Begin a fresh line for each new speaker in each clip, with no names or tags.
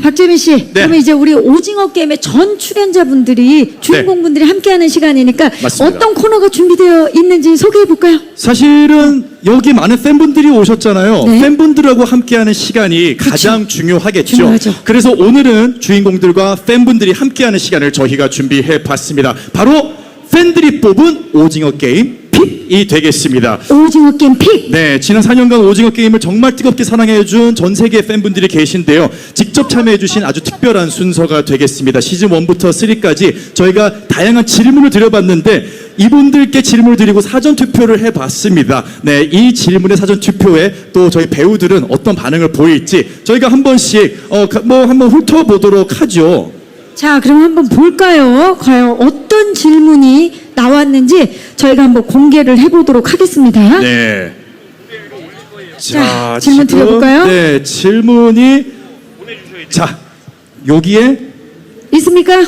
박재민 씨,
네.
그러면 이제 우리 오징어 게임의 전 출연자분들이 주인공분들이 함께하는 시간이니까
맞습니다.
어떤 코너가 준비되어 있는지 소개해 볼까요?
사실은 여기 많은 팬분들이 오셨잖아요.
네.
팬분들하고 함께하는 시간이 가장 중요하겠죠.
중요하죠.
그래서 오늘은 주인공들과 팬분들이 함께하는 시간을 저희가 준비해 봤습니다. 바로 팬들이 뽑은 오징어 게임 픽이 되겠습니다.
오징어 게임 픽.
네, 지난 4년간 오징어 게임을 정말 뜨겁게 사랑해준 전 세계 팬분들이 계신데요. 직접 참여해주신 아주 특별한 순서가 되겠습니다. 시즌 1부터 3까지 저희가 다양한 질문을 드려봤는데 이분들께 질문을 드리고 사전 투표를 해봤습니다. 네, 이 질문의 사전 투표에 또 저희 배우들은 어떤 반응을 보일지 저희가 한 번씩 한번 훑어보도록 하죠.
자, 그럼 한번 볼까요? 과연 어떤 질문이 나왔는지 저희가 한번 공개를 해보도록 하겠습니다.
네.
자, 질문 드려볼까요?
네, 질문이 자, 여기에
있습니까?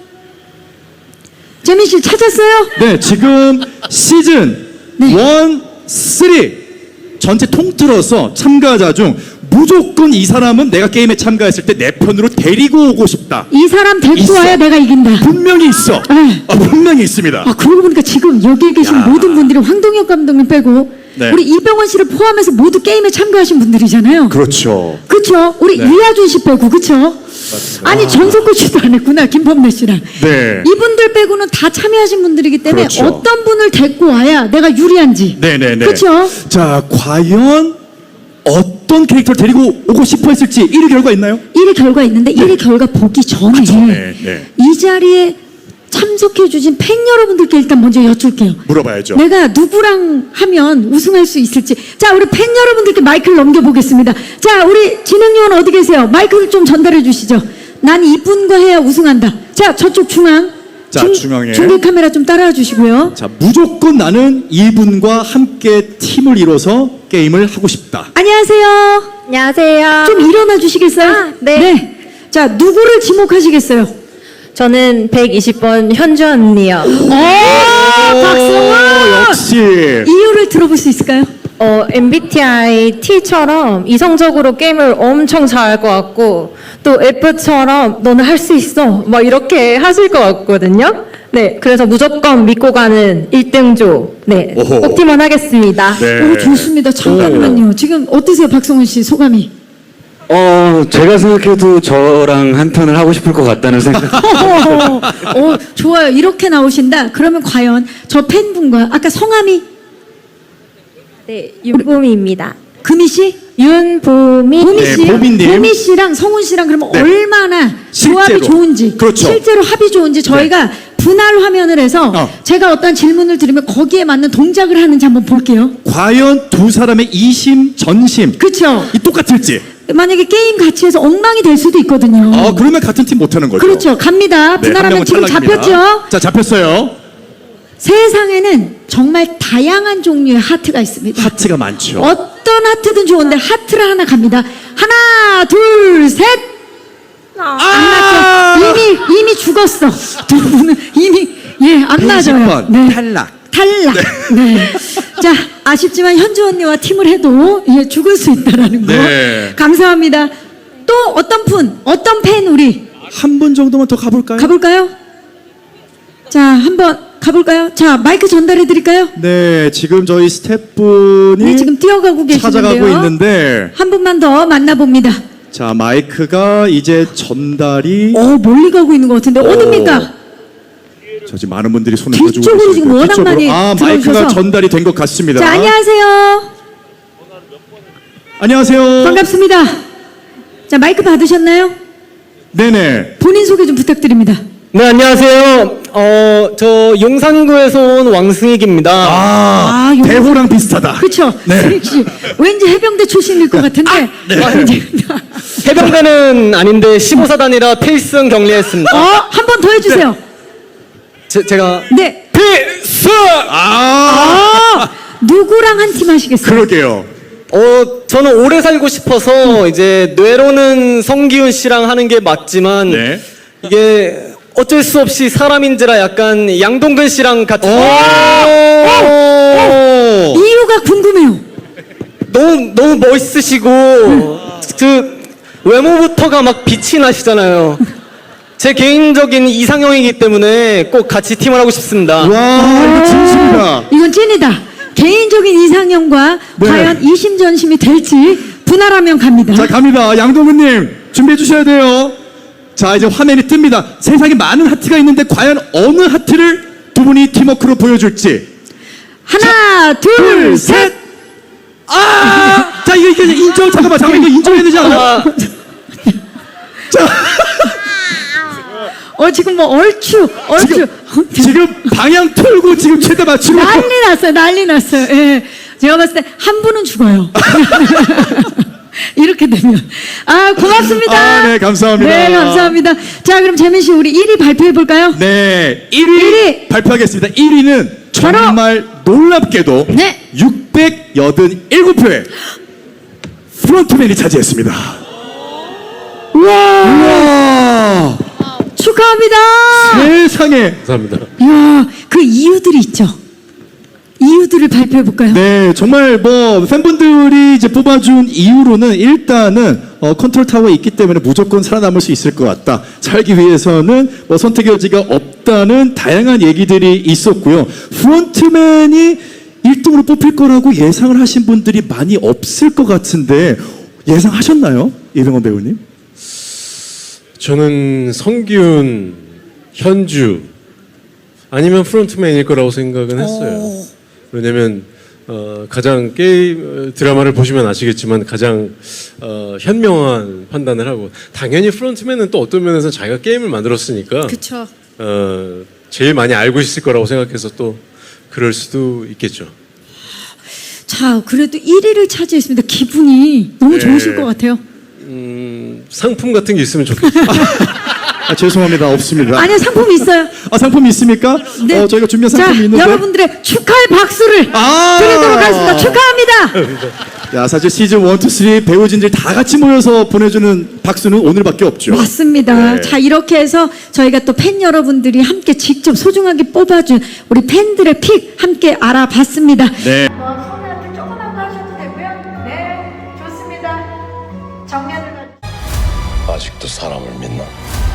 재민 씨 찾았어요?
네, 지금 시즌
네.
1, 3 전체 통틀어서 참가자 중 무조건 이 사람은 내가 게임에 참가했을 때 내 편으로 데리고 오고 싶다.
이 사람 데리고
있어.
와야 내가 이긴다.
분명히 있어.
네.
분명히 있습니다.
아, 그러고 보니까 지금 여기에 계신
야.
모든 분들이 황동혁 감독님 빼고
네.
우리 이병헌 씨를 포함해서 모두 게임에 참가하신 분들이잖아요.
그렇죠.
그쵸? 우리
네.
이하준 씨 빼고, 그쵸? 아니, 전석구 씨도 안 했구나, 김범래 씨랑.
네.
이분들 빼고는 다 참여하신 분들이기 때문에
그렇죠.
어떤 분을 데리고 와야 내가 유리한지.
네네네.
그쵸?
자, 과연 어떤 캐릭터를 데리고 오고 싶어 했을지 1위 결과 있나요?
1위 결과 있는데 1위 결과 보기 전에
네.
이 자리에 참석해주신 팬 여러분들께 일단 먼저 여쭐게요.
물어봐야죠.
내가 누구랑 하면 우승할 수 있을지. 자, 우리 팬 여러분들께 마이크를 넘겨보겠습니다. 자, 우리 진행요원 어디 계세요? 마이크를 좀 전달해 주시죠. 난 이분과 해야 우승한다. 자, 저쪽 중앙.
자, 중앙에.
중계 카메라 좀 따라와 주시고요.
자, 무조건 나는 이분과 함께 팀을 이뤄서 게임을 하고 싶다.
안녕하세요.
안녕하세요.
좀 일어나 주시겠어요?
네.
자, 누구를 지목하시겠어요?
저는 120번 현주 언니요.
박성원!
역시.
이유를 들어볼 수 있을까요?
MBTI T처럼 이성적으로 게임을 엄청 잘할 것 같고 또 F처럼 너는 할 수 있어 막 이렇게 하실 것 같거든요. 네, 그래서 무조건 믿고 가는 1등조. 네,
오호.
꼭 팀원 하겠습니다.
네.
오, 좋습니다. 잠깐만요. 지금 어떠세요, 박성훈 씨 소감이?
제가 생각해도 저랑 한 편을 하고 싶을 것 같다는 생각.
좋아요. 이렇게 나오신다. 그러면 과연 저 팬분과 아까 성함이
네, 윤보미입니다.
금희 씨,
윤보미.
보미
네,
씨,
보미님.
보미 씨랑 성훈 씨랑 그러면
네.
얼마나 조합이
실제로.
좋은지,
그렇죠.
실제로 합이 좋은지 저희가 분할 화면을 해서 제가 어떤 질문을 드리면 거기에 맞는 동작을 하는지 한번 볼게요.
과연 두 사람의 이심 전심
그렇죠?
이 똑같을지.
만약에 게임 같이 해서 엉망이 될 수도 있거든요.
그러면 같은 팀 못하는 거죠.
그렇죠. 갑니다.
네, 한
분할하면
명은
지금
탈락입니다.
잡혔죠?
자, 잡혔어요.
세상에는 정말 다양한 종류의 하트가 있습니다.
하트가 많죠.
어떤 하트든 좋은데 하트를 하나 갑니다. 하나, 둘, 셋. 안 맞죠? 이미 죽었어. 두 분은 이미 안 맞아요.
120번 탈락.
탈락. 네. 자, 아쉽지만 현주 언니와 팀을 해도 죽을 수 있다라는 거.
네.
감사합니다. 또 어떤 팬 우리
한 분 정도만 더 가볼까요?
가볼까요? 자, 한번 가볼까요? 자, 마이크 전달해 드릴까요?
네, 지금 저희 스태프분이
네, 지금 뛰어가고 계시는데요.
찾아가고 있는데
한 분만 더 만나봅니다.
자, 마이크가 이제 전달이
멀리 가고 있는 것 같은데 어딥니까?
저 지금 많은 분들이 손을
뒤쪽으로
들어주고
지금
계시고요.
워낙
뒤쪽으로.
많이
마이크가
들어오셔서.
전달이 된 것 같습니다.
자, 안녕하세요.
안녕하세요.
반갑습니다. 자, 마이크 받으셨나요?
네네.
본인 소개 좀 부탁드립니다.
네, 안녕하세요. 저 용산구에서 온 왕승익입니다.
용-
대호랑 비슷하다.
그렇죠.
네.
승익 씨. 왠지 해병대 출신일 것 같은데.
해병대는 아닌데 15사단이라 필승 격리했습니다.
한 번 더 해주세요.
제가
네.
필승!
누구랑 한 팀 하시겠어요?
그러게요.
저는 오래 살고 싶어서 이제 뇌로는 성기훈 씨랑 하는 게 맞지만
네.
이게 어쩔 수 없이 사람인지라 약간 양동근 씨랑 같이
이유가 궁금해요.
너무 멋있으시고 그 외모부터가 막 빛이 나시잖아요. 제 개인적인 이상형이기 때문에 꼭 같이 팀을 하고 싶습니다.
와, 이거 진심이다.
이건 찐이다. 개인적인 이상형과
네.
과연 이심전심이 될지 분할하면 갑니다.
자, 갑니다. 양동근님, 준비해 주셔야 돼요. 자, 이제 화면이 뜹니다. 세상에 많은 하트가 있는데 과연 어느 하트를 두 분이 팀워크로 보여줄지.
하나, 둘, 셋.
아! 자, 이거 인정, 잠깐만, 이거 인정해야 되지 않아?
지금 뭐 얼추.
지금 방향 틀고 지금 최대 맞추고.
난리 났어요. 예. 제가 봤을 때 한 분은 죽어요. 이렇게 되면. 고맙습니다.
네, 감사합니다.
네, 감사합니다. 자, 그럼 재민 씨, 우리 1위 발표해 볼까요?
네, 1위 발표하겠습니다. 1위는
바로
정말 놀랍게도
네.
687표의 프론트맨이 차지했습니다.
우와.
우와,
축하합니다.
세상에.
감사합니다.
이야, 그 이유들이 있죠. 이유들을 발표해 볼까요?
네, 정말 뭐 팬분들이 이제 뽑아준 이유로는 일단은 컨트롤 타워에 있기 때문에 무조건 살아남을 수 있을 것 같다. 살기 위해서는 뭐 선택의 여지가 없다는 다양한 얘기들이 있었고요. 프론트맨이 1등으로 뽑힐 거라고 예상을 하신 분들이 많이 없을 것 같은데 예상하셨나요? 이병헌 배우님?
저는 성기훈, 현주 아니면 프론트맨일 거라고 생각은 했어요. 왜냐면 가장 게임 드라마를 보시면 아시겠지만 가장 현명한 판단을 하고 당연히 프론트맨은 또 어떤 면에서 자기가 게임을 만들었으니까
그쵸.
제일 많이 알고 있을 거라고 생각해서 또 그럴 수도 있겠죠.
자, 그래도 1위를 차지했습니다. 기분이 너무
네.
좋으실 것 같아요.
상품 같은 게 있으면 좋겠어요.
죄송합니다. 없습니다.
아니요, 상품이 있어요.
상품이 있습니까?
네.
저희가 준비한
자,
상품이 있는데.
여러분들의 축하의 박수를 드리도록 하겠습니다. 축하합니다.
야, 사실 시즌 1, 2, 3 배우진들 다 같이 모여서 보내주는 박수는 오늘밖에 없죠.
맞습니다.
네.
자, 이렇게 해서 저희가 또 팬 여러분들이 함께 직접 소중하게 뽑아준 우리 팬들의 픽 함께 알아봤습니다.
네.
손에 앞에 조그만 거 하셔도 되고요. 네, 좋습니다. 정면을
아직도 사람을 믿나?